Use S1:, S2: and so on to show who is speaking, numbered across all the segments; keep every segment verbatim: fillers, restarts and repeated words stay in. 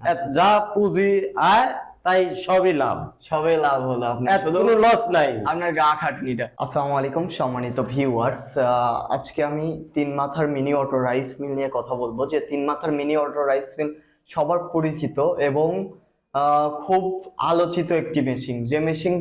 S1: যা পুঁজি আয় তাই সবই লাভ,
S2: সবই লাভ হলো, আপনার শুধু
S1: কোনো লস নাই,
S2: আপনার গা খাটনিটা। আসসালামু আলাইকুম সম্মানিত ভিউয়ার্স, আজকে আমি তিন মাথার মিনি অটো রাইস মিল নিয়ে কথা বলবো। যে তিন মাথার মিনি অটো রাইস মিল সবার পরিচিত এবং আহ, খুব আলোচিত একটি মেশিন। যে মেশিন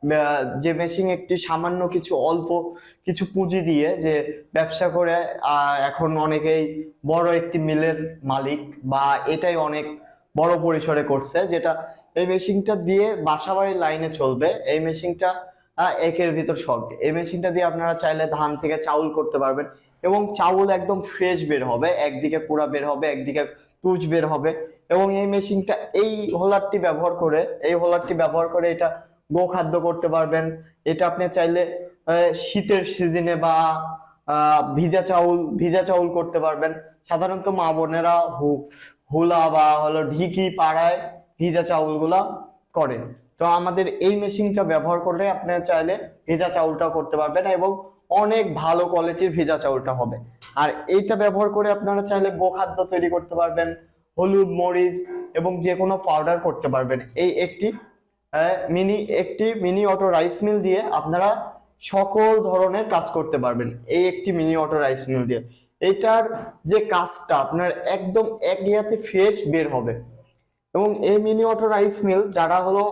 S2: যে মেশিন একটি সামান্য কিছু অল্প কিছু পুঁজি দিয়ে যে ব্যবসা করে আহ, এখন অনেকেই বড় একটি মিলের মালিক, বা এটাই অনেক বড় পরিসরে করছে। যেটা এই মেশিনটা দিয়ে বাসাবাড়ির লাইনে চলবে। এই মেশিনটা আহ, একের ভিতর শখ। এই মেশিনটা দিয়ে আপনারা চাইলে ধান থেকে চাউল করতে পারবেন এবং চাউল একদম ফ্রেশ বের হবে, একদিকে পুরা বের হবে, একদিকে তুজ বের হবে। এবং এই মেশিনটা এই হোলারটি ব্যবহার করে এই হোলারটি ব্যবহার করে এটা গোখাদ্য করতে পারবেন। এটা আপনি চাইলে আহ, শীতের সিজনে বা আহ, ভিজা চাউল ভিজা চাউল করতে পারবেন। সাধারণত মা বোনেরা হু হুলা বা হলো ঢিকি পাড়ায় ভিজা চাউলগুলা করে। তো আমাদের এই মেশিনটা ব্যবহার করলে আপনি চাইলে ভিজা চাউলটাও করতে পারবেন এবং অনেক ভালো কোয়ালিটির ভিজা চাউলটা হবে। আর এইটা ব্যবহার করে আপনারা চাইলে গোখাদ্য তৈরি করতে পারবেন, হলুদ মরিচ এবং যে কোনো পাউডার করতে পারবেন। এই একটি মিনি একটি মিনি অটো রাইস মিল দিয়ে আপনারা সকল ধরনের কাজ করতে পারবেন এই একটি মিনি অটো রাইস মিল দিয়ে। এটার যে কাজটা আপনার একদম এক ইয়াতে ফ্রেশ বের হবে। এবং এই মিনি অটো রাইস মিল যারা হলো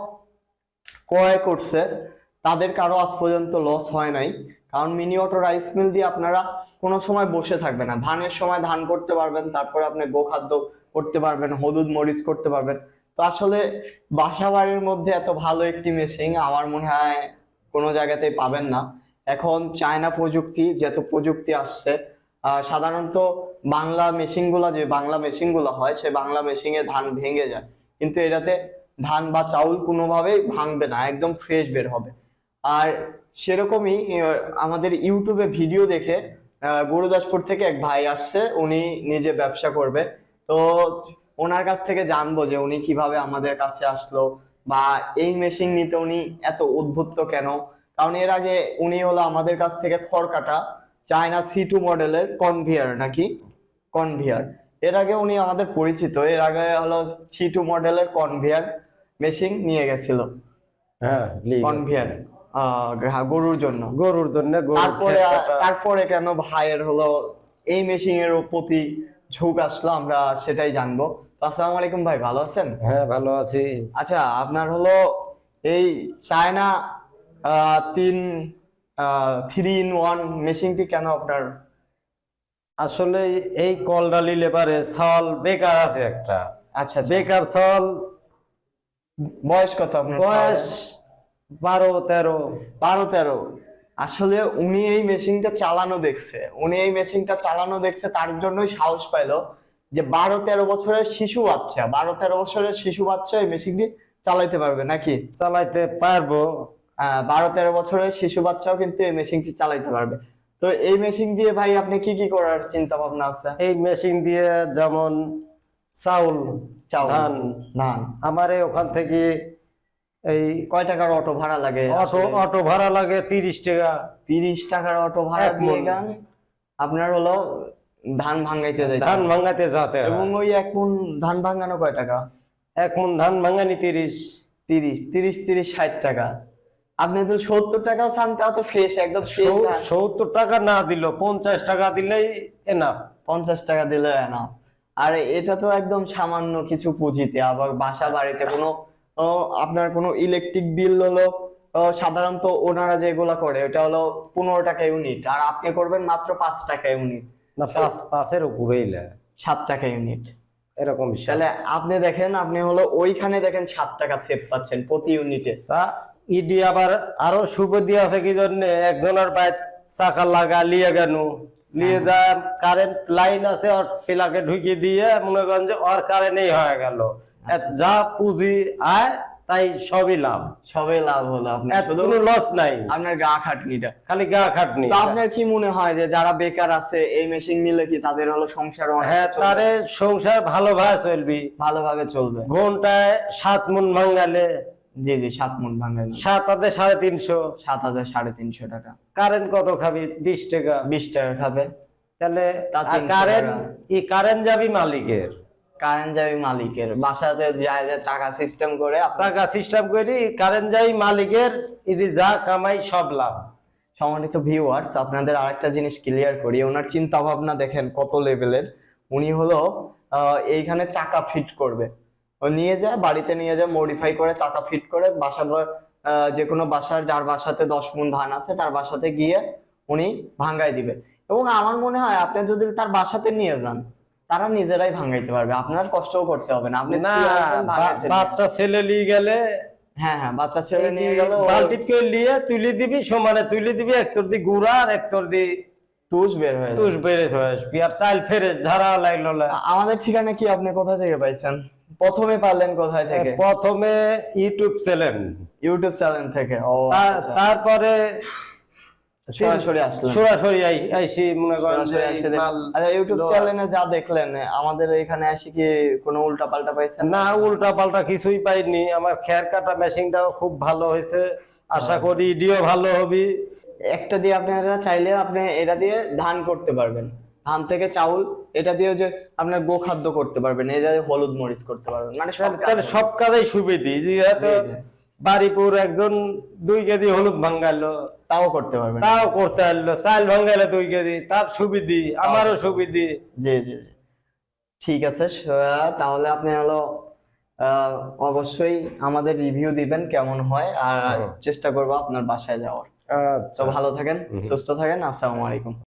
S2: ক্রয় করছে তাদের কারো আজ পর্যন্ত লস হয় নাই। কারণ মিনি অটো রাইস মিল দিয়ে আপনারা কোনো সময় বসে থাকবে না। ধানের সময় ধান করতে পারবেন, তারপরে আপনি গোখাদ্য করতে পারবেন, হলুদ মরিচ করতে পারবেন। তো আসলে বাসা বাড়ির মধ্যে এত ভালো একটি মেশিন আমার মনে হয় কোনো জায়গাতেই পাবেন না। এখন চায়না প্রযুক্তি, যত প্রযুক্তি আসছে, আহ সাধারণত বাংলা মেশিনগুলো যে বাংলা মেশিনগুলো হয় সে বাংলা মেশিনে ধান ভেঙে যায়, কিন্তু এটাতে ধান বা চাউল কোনোভাবেই ভাঙবে না, একদম ফ্রেশ বের হবে। আর সেরকমই আহ, আমাদের ইউটিউবে ভিডিও দেখে আহ, গুরুদাসপুর থেকে এক ভাই আসছে, উনি নিজে ব্যবসা করবে। তো ওনার কাছ থেকে জানবো যে উনি কিভাবে আমাদের কাছে আসলো বা এই মেশিন নিতে উনি এত উদ্বুদ্ধ কেন। কারণ এর আগে উনি হলো আমাদের কাছ থেকে খড় কাটা চায়না সি টু মডেলের কনভিয়ার নাকি কনভিয়ার এর আগে উনি আমাদের পরিচিত। এর আগে হলো সি টু মডেলের কনভিয়ার মেশিন নিয়ে গেছিল,
S1: হ্যাঁ
S2: কনভিয়ার গরুর জন্য
S1: গরুর জন্য।
S2: তারপরে তারপরে কেন ভাইয়ের হলো এই মেশিনের প্রতি ঝোঁক আসলো আমরা সেটাই জানবো। তো আসসালামু আলাইকুম ভাই, ভালো আছেন?
S1: হ্যাঁ ভালো আছি।
S2: আচ্ছা, আপনার হলো এই চায়না আহ, তিন থ্রি ইন ওয়ান মেশিনটি কেন আপনার?
S1: আসলে এই কলডালি লেবারে ছল বেকার আছে একটা।
S2: আচ্ছা,
S1: বেকার ছল,
S2: বয়স কত আপনার?
S1: বয়স বারো তেরো।
S2: বারো তেরো। আসলে উনি এই মেশিনটা চালানো দেখছে উনি এই মেশিনটা চালানো দেখছে তার জন্যই সাহস পাইলো যে বারো তেরো বছরের শিশু বাচ্চা বারো তেরো বছরের শিশু বাচ্চা এই মেশিনটি চালাইতে পারবে নাকি?
S1: চালাইতে পারবো।
S2: আহ বারো তেরো বছরের শিশু বাচ্চাও কিন্তু এই মেশিনটি চালাইতে পারবে। তো এই মেশিন দিয়ে ভাই আপনি কি কি করার চিন্তা ভাবনা আছে?
S1: এই মেশিন দিয়ে যেমন চাউল,
S2: চাউল,
S1: ধান।
S2: ধান
S1: আমার এই ওখান থেকে এই
S2: কয় টাকার অটো ভাড়া লাগে?
S1: অটো অটো ভাড়া লাগে তিরিশ টাকা।
S2: তিরিশ টাকার অটো ভাড়া
S1: এক
S2: দিয়ে
S1: মণ।
S2: গান আপনার হলো ধান ভাঙাইতে যাইতে
S1: ধান
S2: হবে।
S1: ভাঙাতে যাতে
S2: এবং
S1: হয়।
S2: ওই এক মণ ধান ভাঙানো কয় টাকা?
S1: এক মণ ধান ভাঙানি তিরিশ।
S2: তিরিশ তিরিশ তিরিশ ষাট টাকা। আপনি তো সত্তর টাকাও চান, তাও তো ফ্রেশ, একদম ফ্রেশ
S1: সৌ-
S2: ধান।
S1: সত্তর টাকা না দিল পঞ্চাশ টাকা দিলেই এনাফ।
S2: পঞ্চাশ টাকা দিলে না। আর এটা তো একদম সামান্য কিছু পুঁজিতে, আবার বাসা বাড়িতে কোনো ও, আপনার কোনো ইলেকট্রিক বিল হলো ও, সাধারণত ওনারা যেগুলা করে ওটা হলো পনেরো টাকা ইউনিট, আর আপনি করবেন মাত্র পাঁচ টাকা ইউনিট,
S1: না পাঁচ পাঁচের উপরেই লে-
S2: সাত টাকা ইউনিট।
S1: এরকম হিসাব।
S2: তাহলে আপনি দেখেন, আপনি হলো ওইখানে দেখেন সাত টাকা সেভ পাচ্ছেন প্রতি ইউনিটে।
S1: তা ইডি আবার আরো সুবিধা আছে কি জন্য, একজনের বাইক চাকা লাগা লিয়ে গেল, নিয়ে যা কারেন্ট লাইন আছে ওর প্লাগে ঢুকিয়ে দিয়ে মনে করেন যে ওর কারেন্টই হয়ে গেল। যা পুঁজি আয় তাই সবই লাভ,
S2: সবই লাভ হলো, আপনার শুধু
S1: কোনো লস নাই,
S2: আপনার গা খাটনিটা।
S1: খালি গা খাটনি।
S2: তো আপনার কি মনে হয় যে যারা বেকার আছে এই মেশিন নিলে কি তাদের হলো সংসার অনেক
S1: হ্যাঁ,
S2: চলবে?
S1: তারে সংসার ভালোভাবে চলবি।
S2: ভালোভাবে চলবে।
S1: ঘন্টায় সাত মন ভাঙালে
S2: জি জি, সাত মন ভাঙেন,
S1: সাত হাতে সাড়ে তিনশো।
S2: সাত হাজার সাড়ে তিনশো টাকা।
S1: কারেন্ট কত খাবি? বিশ টাকা।
S2: বিশ টাকা খাবে,
S1: তাহলে
S2: তা তিনশো
S1: কারেন্ট
S2: টাকা।
S1: এই কারেন্ট যাবি মালিকের,
S2: কারেন্ট যাবে মালিকের বাসাতে যায় যে চাকা সিস্টেম করে আপনার
S1: চাকা সিস্টেম করি কারেন্ট যাই মালিকের, এটি যা কামাই সব লাভ।
S2: সম্মানিত ভিউয়ার্স, আপনাদের আরেকটা জিনিস ক্লিয়ার করি, ওনার চিন্তা ভাবনা দেখেন কত লেভেলের। উনি হলো আহ, এইখানে চাকা ফিট করবে, ও নিয়ে যায় বাড়িতে নিয়ে যায় মডিফাই করে চাকা ফিট করে বাসা আহ, যে কোনো বাসার যার বাসাতে দশ মণ ধান আছে তার বাসাতে গিয়ে উনি ভাঙ্গাই দিবে। এবং আমার মনে হয় আপনি যদি তার বাসাতে নিয়ে যান তারা নিজেরাই ভাঙ্গাইতে পারবে, আপনার কষ্টও করতে হবে না। আপনি
S1: না,
S2: তুলে আনবেন, ভাঙায়
S1: বা-
S2: ছেড়ে
S1: বাচ্চা ছেলে নিয়ে গেলে
S2: হ্যাঁ হ্যাঁ বাচ্চা ছেলে নিয়ে গেল
S1: বালতিত করে নিয়ে তুলে দিবি, সমানে তুলে দিবি, একতর দি গুড়া আর একতর দি
S2: তুষ বের হয়ে যাবে।
S1: তুষ বেড়ে হয়ে আসবি, আর চাল ফেরে ঝাড়া লাগলো না।
S2: আ- আমাদের ঠিকানা কি আপনি কোথা থেকে পাইছেন? প্রথমে পারলেন কোথায় থেকে?
S1: প্রথমে ইউটিউব চ্যানেল,
S2: ইউটিউব চ্যানেল থেকে। ও আচ্ছা।
S1: তারপরে
S2: সরাসরি আসলেন?
S1: সরাসরি আই- আইসি মনে করেন যে
S2: সরাসরি এসে দেখ-
S1: মাল-
S2: আচ্ছা, ইউটিউব চ্যানেলে যা দেখলেন আমাদের এখানে এসে কি কোনো উল্টা পাল্টা পাইছেন?
S1: না, উল্টা পাল্টা কিছুই পাইনি। আমার খের কাটা মেশিনটাও খুব ভালো হয়েছে, আশা করি ইডিও ভালো হবে।
S2: একটা দিয়ে আপনারা চাইলে আপনি এটা দিয়ে ধান করতে পারবেন, ধান থেকে চাউল, এটা দিয়ে যে আপনার গোখাদ্য করতে পারবেন, এটা দিয়ে হলুদ মরিচ করতে পারবেন, মানে সব কাজ
S1: তাহলে সব কাজেই সুবিধি। যেহেতু
S2: জি, জি।
S1: বাড়িপুর একজন দুই কেজি হলুদ ভাঙ্গালো,
S2: তাও করতে পারবেন।
S1: তাও করতে পারলো, চাল ভাঙ্গাইলো দুই কেজি, তার সুবিধি, আমারও সুবিধি।
S2: জি জি জি ঠিক আছে। স- তাহলে আপনি হলো আহ, অবশ্যই আমাদের রিভিউ দিবেন কেমন হয়, আর চেষ্টা করবো আপনার বাসায় যাওয়ার। তো
S1: আচ্ছা,
S2: ভালো থাকেন, সুস্থ থাকেন, আসসালামু আলাইকুম।